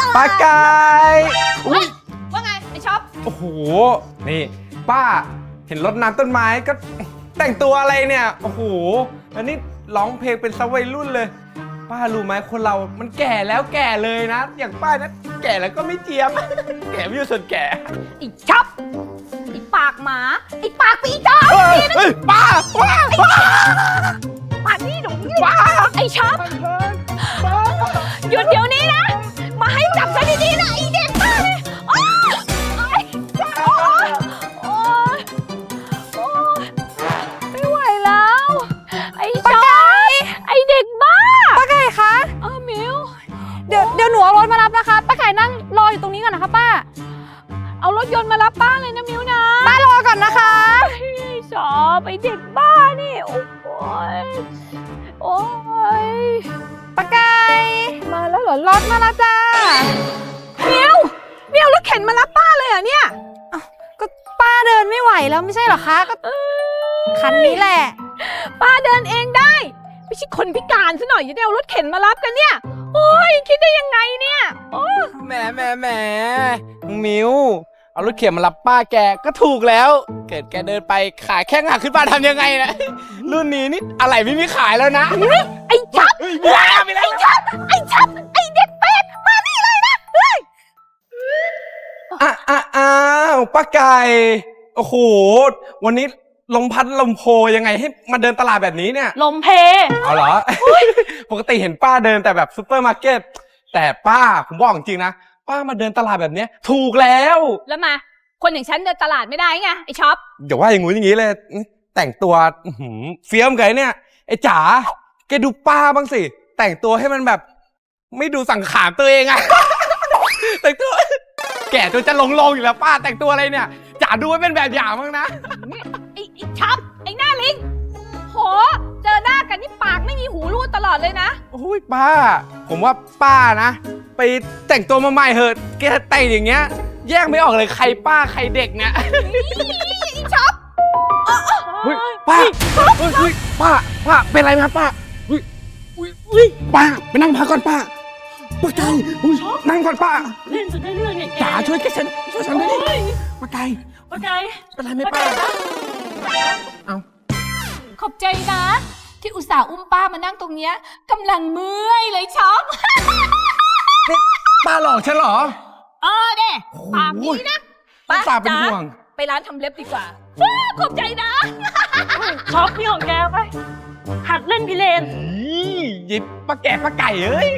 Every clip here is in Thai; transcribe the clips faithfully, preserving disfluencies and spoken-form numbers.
ปลาไก่อุ้ยว่าไงไอช็อปโอ้โหนี่ป้าเห็นรถน้ำต้นไม้ก็แต่งตัวอะไรเนี่ยโอ้โหอันนี้ร้องเพลงเป็นสวัยรุ่นเลยป้ารู้ไหมคนเรามันแก่แล้วแก่เลยนะอย่างป้านะแก่แล้วก็ไม่เจียม แก่ไม่อยู่ส่วนแก่ไอช็อปไอปากหมาไอปากปีจอเฮ้ยป้าป้าป้าปากนี่หนูป้าไอช็อปหยุดเดี๋ยวนี้นะมาให้จับฉันดีๆนะไอเด็กป้าเลยโอ๊ยโอ๊ยโอ๊ยโอ๊ยโอ๊ยไม่ไหวแล้วไอช็อปไอเด็กบ้าป้าไก่คะเออมิวเดี๋ยวเดี๋ยวหนูเอารถมารับนะคะป้าไก่นั่งรออยู่ตรงนี้ก่อนนะคะป้าเอารถยนต์มารับป้าเลยนะมิวนะป้ารอก่อนนะคะชอบไอเด็กบ้านี่โอ้ยโอ้ยป้าไก่มาแล้วเหรอรถมาแล้วจ้ามิวมิวรถเข็นมารับป้าเลยเหรอเนี่ยก็ป้าเดินไม่ไหวแล้วไม่ใช่เหรอคะก็คันนี้แหละป้าเดินเองได้ไม่ใช่คนพิการซะหน่อยจะได้เอารถเข็นมารับกันเนี่ยโอ้ยคิดได้ยังไงเนี่ยแหมแหมแหมมิวเอารถเข็นมารับป้าแกก็ถูกแล้วเกิดแกเดินไปขาแข้งหักขึ้นมาทำยังไงนะรุ่นนี้นี่อะไรไม่มีขายแล้วนะไอ้ชับไอ้ชับไอ้ชับไอ้เด็กเป็ดมานี่เลยนะเฮ้ยอ้าอ้าอ้าวป้าไก่โอ้โหวันนี้ลมพัดลมโพยังไงให้มาเดินตลาดแบบนี้เนี่ยลมเพเอาเหรอ ปกติเห็นป้าเดินแต่แบบซูเปอร์มาร์เก็ตแต่ป้าผมบอกจริงๆนะป้ามาเดินตลาดแบบนี้ถูกแล้วแล้วมาคนอย่างฉันเดินตลาดไม่ได้ไงไอ้ช็อปเดี๋ยวว่าอย่างงู้นอย่างงี้เลยแต่งตัวเฟี้ยมไงเนี่ยไอ้จ๋าแกดูป้าบ้างสิแต่งตัวให้มันแบบไม่ดูสังขารตัวเองอะ แต่งตัวแก่จนจะลงลงอยู่แล้วป้าแต่งตัวอะไรเนี่ยจ๋าดูไว้เป็นแบบอย่างบ้างนะไอ้ไอ้ช็อปไอ้หน้าลิงโหเจอหน้ากันนี่ปากไม่มีหูรูดตลอดเลยนะโอ้ยป้าผมว่าป้านะไปแต่งตัวมาใหม่เหอะแกแต่งอย่างเงี้ยแยกไม่ออกเลยใครป้าใครเด็กเนี่ยไอ้ช็อปเฮ้ยป้าเฮ้ยป้าป้าเป็นไรไหมครับป้าเฮ้ยเฮ้ยป้าไปนั่งพักก่อนป้าป้าไก่นั่งก่อนป้าเล่นจนได้เรื่องเนี่ยจ๋าช่วยแกฉันช่วยฉันด้วยป้าไก่ป้าไก่เป็นไรไหมป้าเอาขอบใจนะที่อุตส่าห์อุ้มป้ามานั่งตรงเนี้ยกำลังเมื่อยเลยช็อปป้าหลอกฉันเหรอเออเด้ปากนี้นะป้าตาเป็นห่วงไปร้านทำเล็บดีกว่าขอบใจนะช็อปพี่ของแกไปหัดเล่นพิเรนยิบป้าแก่ป้าไก่เอ้ย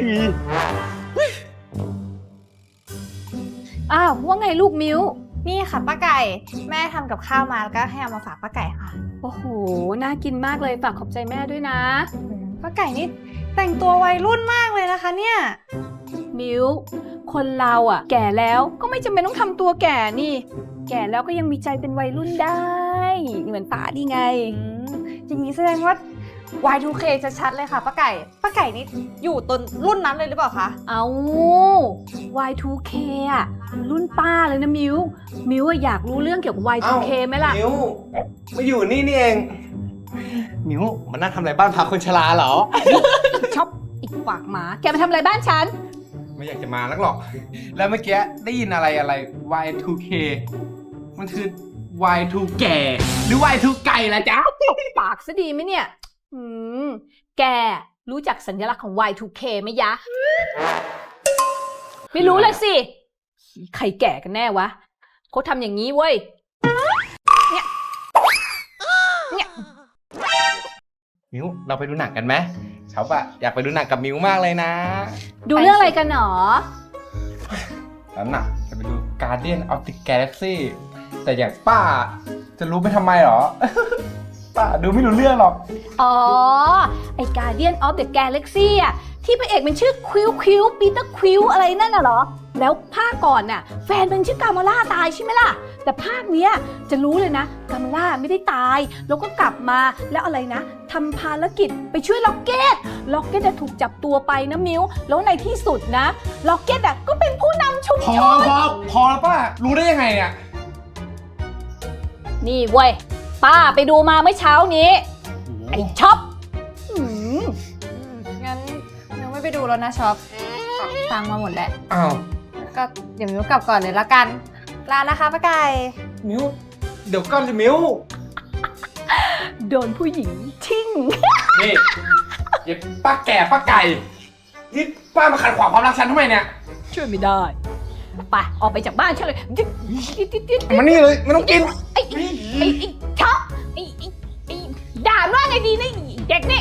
อ้าวว่าไงลูกมิ้วนี่ค่ะป้าไก่แม่ทำกับข้าวมาแล้วก็ให้เอามาฝากป้าไก่ค่ะโอ้โหน่ากินมากเลยฝากขอบใจแม่ด้วยนะป้าไก่นี่แต่งตัววัยรุ่นมากเลยนะคะเนี่ยมิ้วคนเราอ่ะแก่แล้วก็ไม่จำเป็นต้องทำตัวแก่นี่แก่แล้วก็ยังมีใจเป็นวัยรุ่นได้เหมือนป้าดีไงอย่างนี้แสดงว่า วาย ทู เค ชัดๆเลยค่ะป้าไก่ป้าไก่นี่อยู่ต้นรุ่นนั้นเลยหรือเปล่าคะเอา วาย ทู เค อ่ะรุ่นป้าเลยนะมิวมิวอยากรู้เรื่องเกี่ยวกับ วาย ทู เค ไหมล่ะมิวมาอยู่นี่นี่เองมิวมานั่งทำอะไรบ้านพักคนชราเหรอชอบอีกปากหมาแกมาทำอะไรบ้านฉันไม่อยากจะมานักหรอกแล้วเมื่อกี้ได้ยินอะไรอะไร วาย ทู เค มันคือ วาย ทู แก่หรือ วาย ทู ไก่ล่ะจ๊ะปากซะดีไหมเนี่ยอืมแกรู้จักสัญลักษณ์ของ วาย ทู เค ไหมยะไม่รู้เลยสิใครแก่กันแน่วะเขาทำอย่างนี้เว้ยเนี่ยเนี่ยมิวเราไปดูหนังกันไหมเขาอะอยากไปดูหนังกับมิวมากเลยนะดูเรื่องอะไรกันหรอแล้วหนักจะไปดู Guardian of the Galaxy แต่อย่างป้าจะรู้ไปทำไมหรอ ป้าดูไม่รู้เรื่องหรอกอ๋อไอ้ Guardian of the Galaxy อ่ะที่พระเอกมันชื่อควิลควิลปีเตอร์ควิลอะไรนั่นน่ะเหรอแล้วภาคก่อนน่ะแฟนมันชื่อกามาล่าตายใช่ไหมล่ะแต่ภาคเนี้ยจะรู้เลยนะกามาล่าไม่ได้ตายแล้วก็กลับมาแล้วอะไรนะทำภารกิจไปช่วยล็อกเก็ตล็อกเก็ตถูกจับตัวไปนะมิวแล้วในที่สุดนะล็อกเก็ตอ่ะก็เป็นผู้นำชุมชนพอพอพอแล้วป้ารู้ได้ยังไงเนี่ยนี่เว้ยป้าไปดูมาเมื่อเช้านี้ไอ้ช็อปงั้นยังไม่ไปดูแล้วนะช็อปฟังมาหมดแล้วอ้าวก็เดี๋ยวมิวกลับก่อนเลยละกันลานะคะป้าไก่มิวเดี๋ยวก่อนสิมิวโดนผู้หญิงชิ่งนี่เย็บป้าแก่ป้าไก่นี่ป้ามาขัดขวางความรักฉันทำไมเนี่ยช่วยไม่ได้ไปออกไปจากบ้านฉันเลยดิ๊ดดิ๊ดดิ๊ดดิ๊ดมานี่เลยไม่ต้องกินไอ้ไอ้ไอ้ไอ้ช็อปไอ้ไอ้ไอ้ด่าว่าไงดีนะไอ้เด็กนี่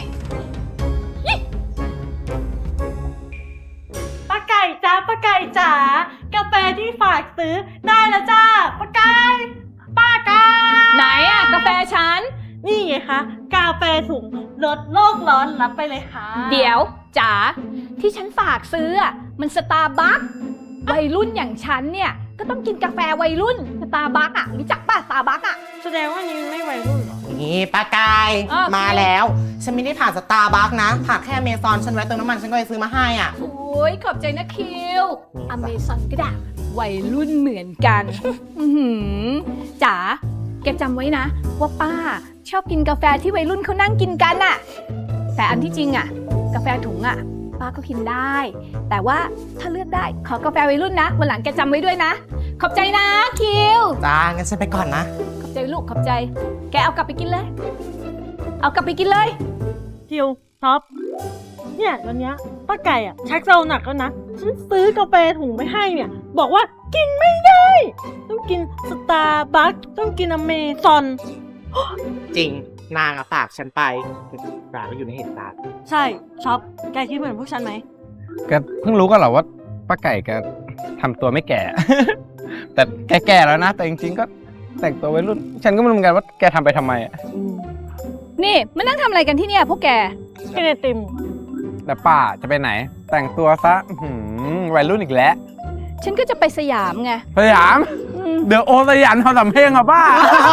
ป้าไก่จ้าป้าไก่จ๋ากาแฟที่ฝากซื้อได้แล้วจ้าป้าไก่ป้าไก่ไหนอะกาแฟฉันนี่ไงคะกาแฟถุงลดโลกร้อนรับไปเลยค่ะเดี๋ยวจ๋าที่ฉันฝากซื้ออะมันสตาร์บัควัยรุ่นอย่างฉันเนี่ยก็ต้องกินกาแฟวัยรุ่นสตาร์บัคอะรู้จักป่ะสตาร์บัคอะแสดงว่านี่ไม่วัยรุ่นเหรอนี่ป้ากายอ้าวมาแล้ว ฉันไม่ได้ผ่านสตาร์บัคนะผ่านแค่อเมซอนฉันไว้เติมน้ำมันฉันก็เลยซื้อมาให้อ่ะโอ้ยขอบใจนะคิวอเมซอนก็ได้วัยรุ่นเหมือนกัน อื้อหือจ๋าแกจำไว้นะ ว่าป้าชอบกินกาแฟที่วัยรุ่นเขานั่งกินกันอะแต่อันที่จริงอะกาแฟถุงอะป้าก็กินได้ แต่ว่าถ้าเลือกได้ขอกาแฟวัยรุ่นนะวันหลังแกจำไว้ด้วยนะ ขอบใจนะคิวจ้า งั้นฉันไปก่อนนะขอบใจลูกขอบใจ แกเอากลับไปกินเลย เอากลับไปกินเลยคิวท็อปเนี่ยตอนเนี้ยป้าไก่อ่ะชักเจ้าหนักแล้วนะฉันซื้อกาแฟถุงไปให้เนี่ยบอกว่ากินไม่ได้ ต้องกินสตาร์บัคต้องกินอเมซอนจริง นางอะฝากฉันไปปลาก็อยู่ในเหตุการณ์ใช่ช็อปแกคิดเหมือนพวกฉันไหมแกเพิ่งรู้กันเหรอว่าป้าไก่แกทำตัวไม่แก่ แต่แกแก่แล้วนะ แต่จริงๆก็แต่งตัววัยรุ่น ฉันก็ไม่รู้เหมือนกันว่าแกทำไปทำไมอะนี่มานั่งทำอะไรกันที่เนี่ยพวกแกกินไอติมแต่ป้าจะไปไหน แต่งตัวซะอื้อหือวัยรุ่นอีกแล้วฉันก็จะไปสยามไงสยามอืมเดี๋ยวโอสยามทำสำเพ็งอะป้า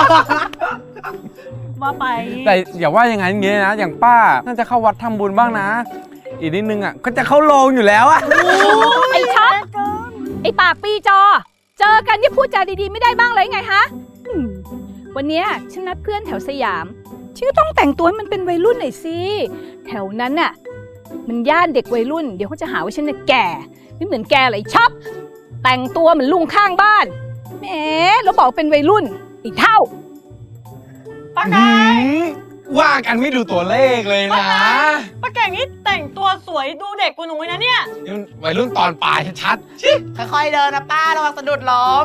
ว่าไปแต่อย่าว่าอย่างนั้นอย่างนี้นะ อย่างป้าน่าจะเข้าวัดทำบุญบ้างนะ อีกนิดนึงอ่ะก็จะเข้าโรงอยู่แล้วอ่ะไอ้ช็อปไอ้ปากปีจอ เจอกันที่พูดจาดีๆไม่ได้บ้างเลยไงฮะอืมวันเนี้ยฉันนัดเพื่อนแถวสยามฉันก็ต้องแต่งตัวให้มันเป็นวัยรุ่นหน่อยสิแถวนั้นน่ะมันย่านเด็กวัยรุ่นเดี๋ยวเขาจะหาว่าฉันเนี่ยแก่ไม่เหมือนแกเลยช็อปแต่งตัวเหมือนลุงข้างบ้านแหมแล้วบอกเป็นวัยรุ่นอีกเท่าป้าไก่ว่ากันไม่ดูตัวเลขเลยนะป้าไก่นี่แต่งตัวสวยดูเด็กกว่าหนูเลยนะเนี่ยนี่มันวัยรุ่นตอนปลายชัดๆชิค่อยๆเดินนะป้าระวังสะดุดล้ม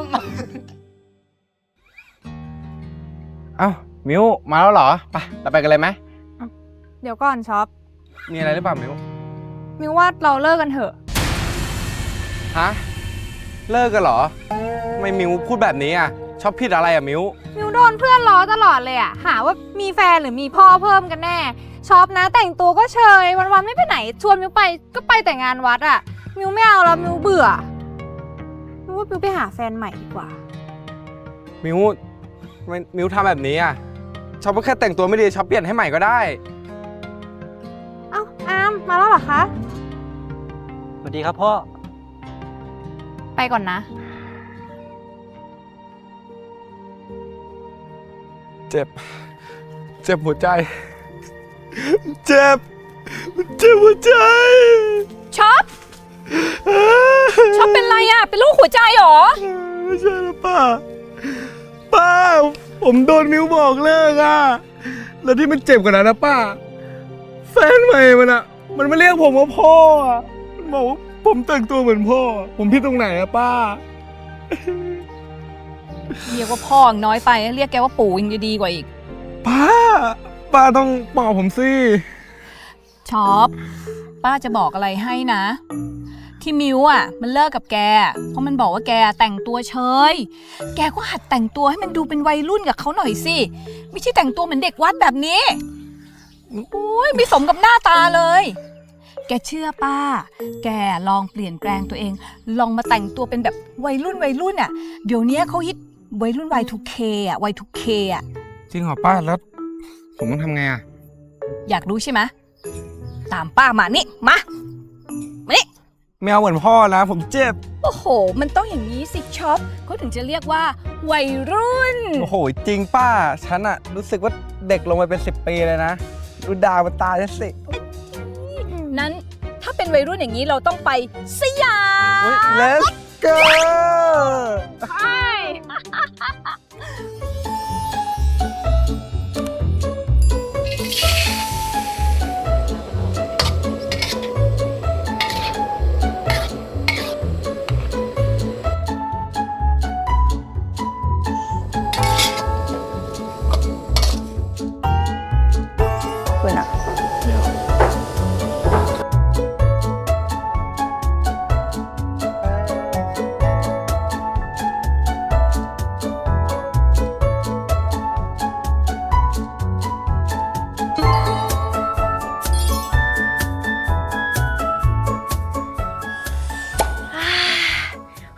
เอ้ามิวมาแล้วเหรอไปเราไปกันเลยไหมเดี๋ยวก่อนช็อปมีอะไรหรือเปล่ามิวมิวว่าเราเลิกกันเถอะฮะเลิกกันเหรอทำไมมิวพูดแบบนี้อ่ะชอบผิดอะไรอ่ะมิวมิวโดนเพื่อนล้อตลอดเลยอะหาว่ามีแฟนหรือมีพ่อเพิ่มกันแน่ชอบนะแต่งตัวก็เชยวันๆไม่ไปไหนชวนมิวไปก็ไปแต่งานวัดอะมิวไม่เอาแล้วมิวเบื่อมิวว่ามิวไปหาแฟนใหม่ดีกว่ามิวทำไมมิวทำแบบนี้อ่ะชอบก็แค่แต่งตัวไม่ดีชอบเปลี่ยนให้ใหม่ก็ได้เอ้าอามมาแล้วเหรอคะสวัสดีครับพ่อไปก่อนนะเจ็บ เจ็บหัวใจ เจ็บ เจ็บหัวใจช็อปช็อปเป็นไรอะเป็นโรคหัวใจเหรอไม่ใช่แล้วป้า ป้า ผมโดนมิวบอกเลิกอ่ะ แล้วที่มันเจ็บกว่านั้นนะป้า แฟนใหม่มันอ่ะ มันมาเรียกผมว่าพ่ออ่ะมันบอกว่าผมแต่งตัวเหมือนพ่อ ผมผิดตรงไหนอะป้าเรียกว่าพ่อน้อยไปเรียกแกว่าปู่ยังจะดีกว่าอีกป้า ป้าต้องปลอบผมสิช็อปป้าจะบอกอะไรให้นะ ที่มิวอ่ะมันเลิกกับแก เพราะมันบอกว่าแกแต่งตัวเฉยแกก็หัดแต่งตัวให้มันดูเป็นวัยรุ่นกับเขาหน่อยสิไม่ใช่แต่งตัวเหมือนเด็กวัดแบบนี้โอ้ยไม่สมกับหน้าตาเลย แกเชื่อป้า แกลองเปลี่ยนแปลงตัวเอง ลองมาแต่งตัวเป็นแบบวัยรุ่นวัยรุ่นอ่ะเดี๋ยวนี้เขาฮิตวัยรุ่น วาย ทู เค อ่ะ วาย ทู เค อ่ะจริงเหรอป้า แล้วผมต้องทำไงอ่ะอยากรู้ใช่ไหมตามป้ามานี่มามานี่ไม่เอาเหมือนพ่อนะ ผมเจ็บโอ้โห มันต้องอย่างนี้สิช็อปเขาถึงจะเรียกว่าวัยรุ่นโอ้โห จริงป้า ฉันอะรู้สึกว่าเด็กลงไปเป็นสิบปีเลยนะ ดูดาวมันตาฉันสินั้นถ้าเป็นวัยรุ่นอย่างนี้เราต้องไปสยาม Let's go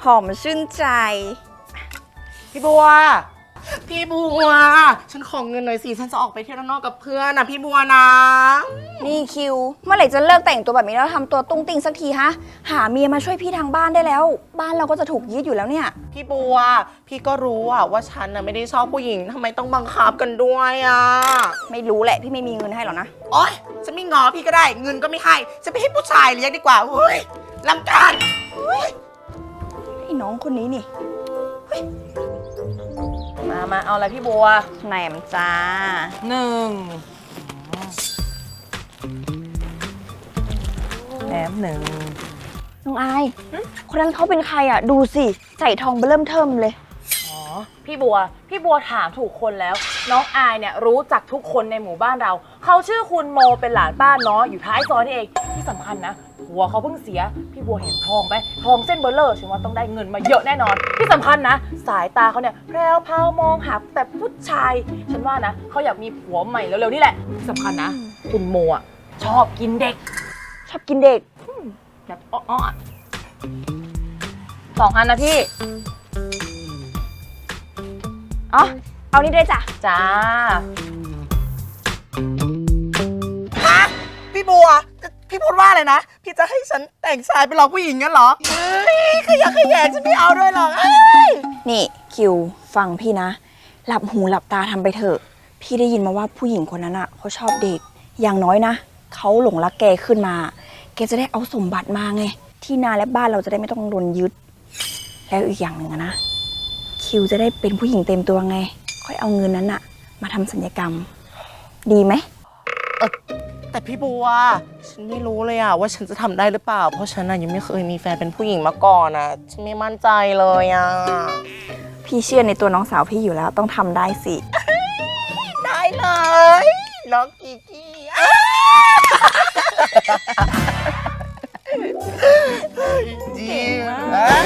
หอมชื่นใจพี่บัว พี่บัว ฉันขอเงินหน่อยสิ ฉันจะออกไปเที่ยวด้านนอกกับเพื่อนนะพี่บัวนะนี่คิว เมื่อไหร่จะเลิกแต่งตัวแบบนี้แล้วทำตัวตุ้งติ้งสักทีฮะ หาเมียมาช่วยพี่ทางบ้านได้แล้ว บ้านเราก็จะถูกยึดอยู่แล้วเนี่ยพี่บัว พี่ก็รู้อะว่าฉันน่ะไม่ได้ชอบผู้หญิงทำไมต้องบังคับกันด้วยอะไม่รู้แหละพี่ไม่มีเงินให้หรอกนะโอ๊ยฉันไม่งอพี่ก็ได้ เงินก็ไม่ให้จะไปให้ผู้ชายเลี้ยงดีกว่าเฮ้ยรำคาญไอ้น้องคนนี้นี่มามาเอาอะไรพี่บัวแหนมจ้าหนึ่งแหนมหนึ่งน้องอาย คนนั้นเขาเป็นใครอ่ะ ดูสิ ใส่ทองเบอเริ่มเทิมเลยอ๋อ พี่บัว พี่บัวถามถูกคนแล้ว น้องอายเนี่ยรู้จักทุกคนในหมู่บ้านเรา เขาชื่อคุณโมเป็นหลานป้าน้อยอยู่ท้ายซอยนี่เอง ที่สำคัญนะผัวเขาเพิ่งเสีย พี่บัวเห็นทองไหมทองเส้นเบลเลอร์ฉันว่าต้องได้เงินมาเยอะแน่นอน ที่สำคัญนะ สายตาเขาเนี่ยแพรวพราวมองหาแต่ผู้ชาย ฉันว่านะเขาอยากมีผัวใหม่เร็วๆนี่แหละ ที่สำคัญนะ คุณโมอ่ะชอบกินเด็กชอบกินเด็กแบบอ้อๆอะสองอันนะพี่อ๋อ เอานี่ด้วยจ้ะจ้าพี่บัว พี่พูดว่าอะไรนะ พี่จะให้ฉันแต่งชายไปหลอกผู้หญิงงั้นเหรอเฮ้ยขยะแขยงฉันไม่เอาด้วยหรอกเอ้ยนี่คิวฟังพี่นะ หลับหูหลับตาทำไปเถอะ พี่ได้ยินมาว่าผู้หญิงคนนั้นอ่ะเขาชอบเด็ก อย่างน้อยนะเขาหลงรักแกขึ้นมา แกจะได้เอาสมบัติมาไง ที่นาและบ้านเราจะได้ไม่ต้องโดนยึด แล้วอีกอย่างหนึ่งอะนะ คิวจะได้เป็นผู้หญิงเต็มตัวไง ค่อยเอาเงินนั้นอะมาทำสัญญกรรม ดีไหมแต่พี่บัว ฉันไม่รู้เลยอะว่าฉันจะทำได้หรือเปล่า เพราะฉันอะยังไม่เคยมีแฟนเป็นผู้หญิงมาก่อนอะฉันไม่มั่นใจเลยอะพี่เชื่อในตัวน้องสาวพี่อยู่แล้วต้องทำได้สิได้เลยน้องกีกี้อ้าจริงมาก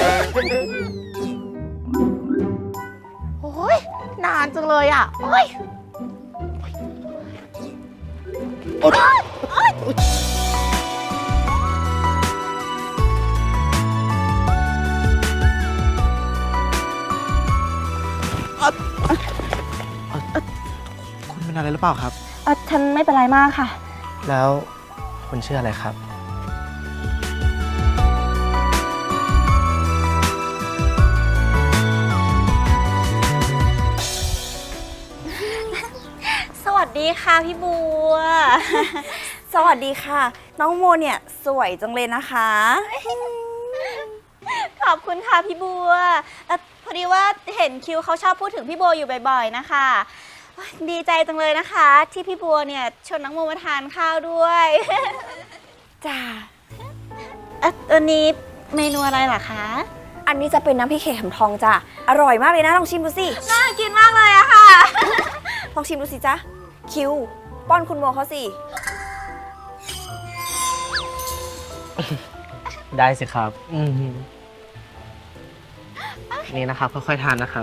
โอ้ยนานจังเลยอะโอ้ยโอ๊ยโอ๊ยคุณเป็นอะไรหรือเปล่าครับเออฉันไม่เป็นไรมากค่ะแล้วคุณชื่ออะไรครับสวัสดีค่ะพี่บัว สวัสดีค่ะ น้องโมเนี่ยสวยจังเลยนะคะขอบคุณค่ะพี่บัวเอ่อพอดีว่าเห็นคิวเขาชอบพูดถึงพี่บัวอยู่บ่อยๆนะคะโอ๊ยดีใจจังเลยนะคะ ที่พี่บัวเนี่ยชวนน้องโมมาทานข้าวด้วยจ้าเอ่ออันนี้เมนูอะไรเหรอคะอันนี้จะเป็นน้ำพริกเข็มทองจ้ะ อร่อยมากเลยนะ ลองชิมดูสิน่ากินมากเลยอะค่ะลองชิมดูสิจ๊ะ คิว ป้อนคุณโมเขาสิได้สิครับอืมนี่นะครับ ค่อยๆทานนะครับ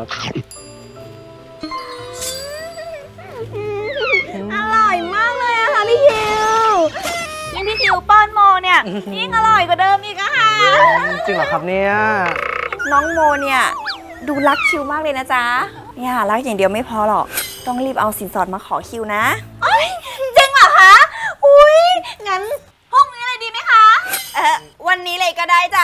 อร่อยมากเลยอะค่ะพี่คิวยิ่งพี่คิวป้อนโมเนี่ยยิ่งอร่อยกว่าเดิมอีกอะค่ะจริงเหรอครับเนี่ยน้องโมเนี่ยดูรักคิวมากเลยนะจ๊ะ เนี่ยรักอย่างเดียวไม่พอหรอก ต้องรีบเอาสินสอดมาขอคิวนะจริงเหรอคะ อุ้ยงั้นพรุ่งนี้เลยดีไหมคะเออวันนี้เลยก็ได้จ้ะ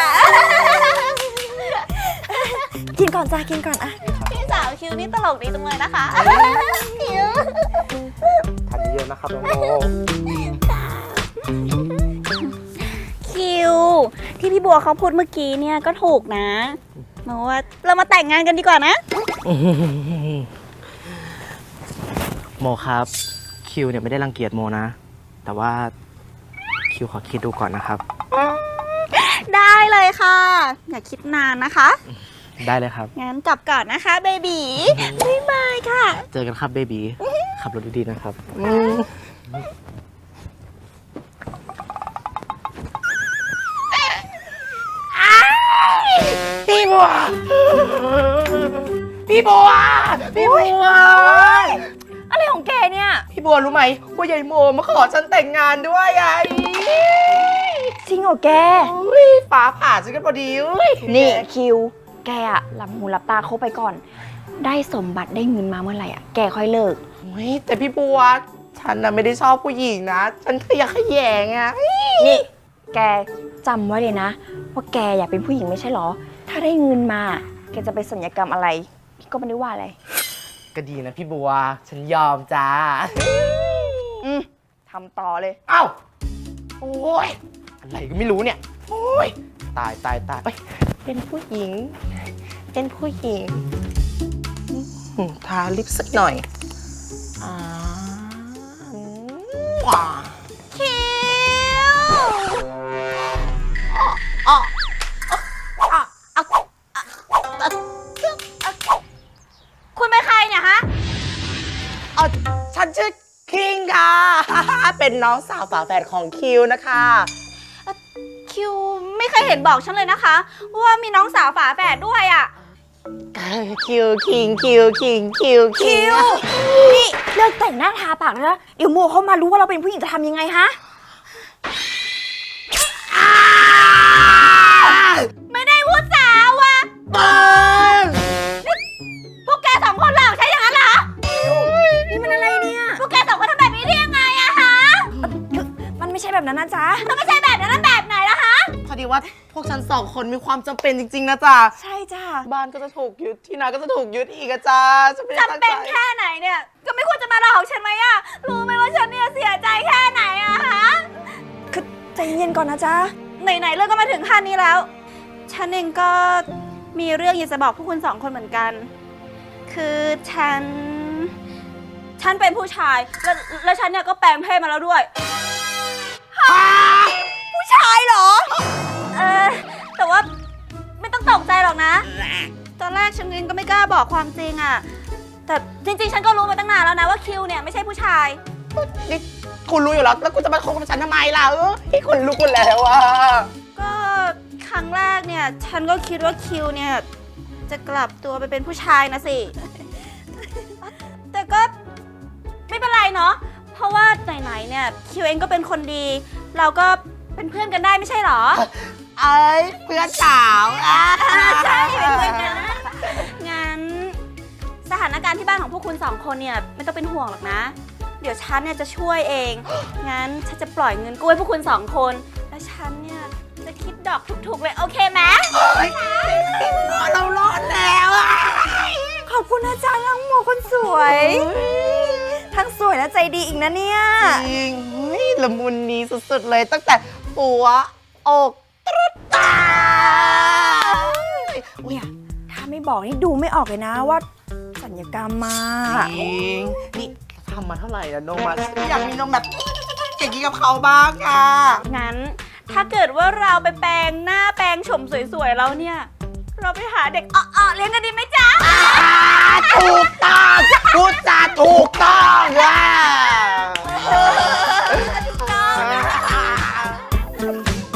กินก่อนจ้ะกินก่อนอะพี่สาวคิวนี่ตลกดีจังเลยนะคะคิวทานเยอะๆนะครับน้องโมคิว ที่พี่บัวเขาพูดเมื่อกี้เนี่ยก็ถูกนะโมว่าเรามาแต่งงานกันดีกว่านะโมครับ คิวเนี่ยไม่ได้รังเกียจโมนะ แต่ว่าคิวขอคิดดูก่อนนะครับได้เลยค่ะ อย่าคิดนานนะคะได้เลยครับงั้นกลับก่อนนะคะเบบีบ๊ายบายค่ะเจอกันครับเบบีขับรถดีๆนะครับพี่บัว พี่บัว พี่บัวอะไรของแกเนี่ยพี่บัวรู้ไหมว่ายายโมมาขอฉันแต่งงานด้วยไงจริงเหรอแกอุ้ยฟ้าผ่าฉันกันพอดีอุ้ยนี่คิวแกอะหลับหูหลับตาเขาไปก่อน ได้สมบัติได้เงินมาเมื่อไหร่อะแกค่อยเลิกเฮ้ยแต่พี่บัวฉันน่ะไม่ได้ชอบผู้หญิงนะ ฉันขยะแขยงอะนี่ แกจำไว้เลยนะ ว่าแกอยากเป็นผู้หญิงไม่ใช่หรอ ถ้าได้เงินมา แกจะไปสัญญกรรมอะไร พี่ก็ไม่ได้ว่าอะไรก็ดีนะพี่บัว ฉันยอมจ้าอืมทำต่อเลยเอ้า โอ้ย อะไรก็ไม่รู้เนี่ย โอ้ย ตายตายตายเอ้ยเป็นผู้หญิง เป็นผู้หญิงอืมทาลิปสักหน่อยอ่าอืมว้าคิวอ๋อคุณเป็นใครเนี่ยฮะอ๋อฉันชื่อคิงค่ะ เป็นน้องสาวฝาแฝดของคิวนะคะคิวไม่เคยเห็นบอกฉันเลยนะคะ ว่ามีน้องสาวฝาแฝดด้วยอ่ะคิวคิงคิวคิงคิวคิงนี่เลิกแต่งหน้าทาปากแล้วนะ เดี๋ยวโมเขามารู้ว่าเราเป็นผู้หญิงจะทำยังไงฮะ ไม่ได้พูดสาวอะปังพวกแกสองคนหลอกใช่อย่างนั้นเหรอ นี่มันอะไรเนี่ย พวกแกสองคนทำแบบนี้ได้ยังไงอะฮะ มันไม่ใช่แบบนั้นนะจ๊ะ มันไม่ใช่แบบนั้นแล้วแบบไหนล่ะฮะพอดีว่าพวกฉันสองคนมีความจำเป็นจริงๆนะจ๊ะใช่จ้ะบ้านก็จะถูกยึดที่นาก็จะถูกยึดอีกอะจ้าฉันไม่ได้ตั้งจำเป็นใจแค่ไหนเนี่ย ก็ไม่ควรจะมาหลอกฉันไหมอะรู้ไหมว่าฉันเนี่ยเสียใจแค่ไหนอะฮะ คือใจเย็นก่อนนะจ๊ะ ไหนๆเรื่องก็มาถึงขั้นนี้แล้ว ฉันเองก็มีเรื่องอยากจะบอกพวกคุณสองคนเหมือนกัน คือฉัน ฉันเป็นผู้ชาย แล้วแล้วฉันเนี่ยก็แปลงเพศมาแล้วด้วย ผู้ชายเหรอ เออ แต่ว่าไม่ต้องตกใจหรอกนะ ตอนแรกฉันเองก็ไม่กล้าบอกความจริงอะแต่จริงๆ ฉันก็รู้มาตั้งนานแล้วนะว่าคิวเนี่ยไม่ใช่ผู้ชายนี่คุณรู้อยู่แล้ว แล้วคุณจะมาคบกับฉันทำไมล่ะเออที่คุณรู้คุณแล้วอะก็ครั้งแรกเนี่ย ฉันก็คิดว่าคิวเนี่ย จะกลับตัวไปเป็นผู้ชายนะสิ แต่ก็ไม่เป็นไรเนาะ เพราะว่าไหนๆเนี่ยคิวเองก็เป็นคนดี เราก็เป็นเพื่อนกันได้ไม่ใช่หรอไอ้เพื่อนสาวอ่ะใช่เป็นเพื่อนกันได้งั้นสถานการณ์ที่บ้านของพวกคุณสองคนเนี่ยไม่ต้องเป็นห่วงหรอกนะ เดี๋ยวฉันเนี่ยจะช่วยเอง งั้นฉันจะปล่อยเงินกู้ให้พวกคุณสองคน แล้วฉันเนี่ยจะคิดดอกถูกๆเลยโอเคไหมเรารอดแล้วอะขอบคุณนะจ๊ะน้องโมคนสวย ทั้งสวยและใจดีอีกนะเนี่ยจริงเฮ้ยละมุนนี้สุดๆเลยตั้งแต่หัวอกตรุดตาเนี่ยถ้าไม่บอกนี่ดูไม่ออกเลยนะว่าสัญญกรรมมาจริงนี่ทำมาเท่าไหร่อะนมอะฉันอยากมีนมแบบอย่างนี้กับเขาบ้างอะงั้นถ้าเกิดว่าเราไปแปลงหน้าแปลงโฉมสวยๆแล้วเนี่ย เราไปหาเด็กอ่อๆเลี้ยงกันดีไหมจ๊ะถูกต้องพูดจาถูกต้องอะถูกต้อง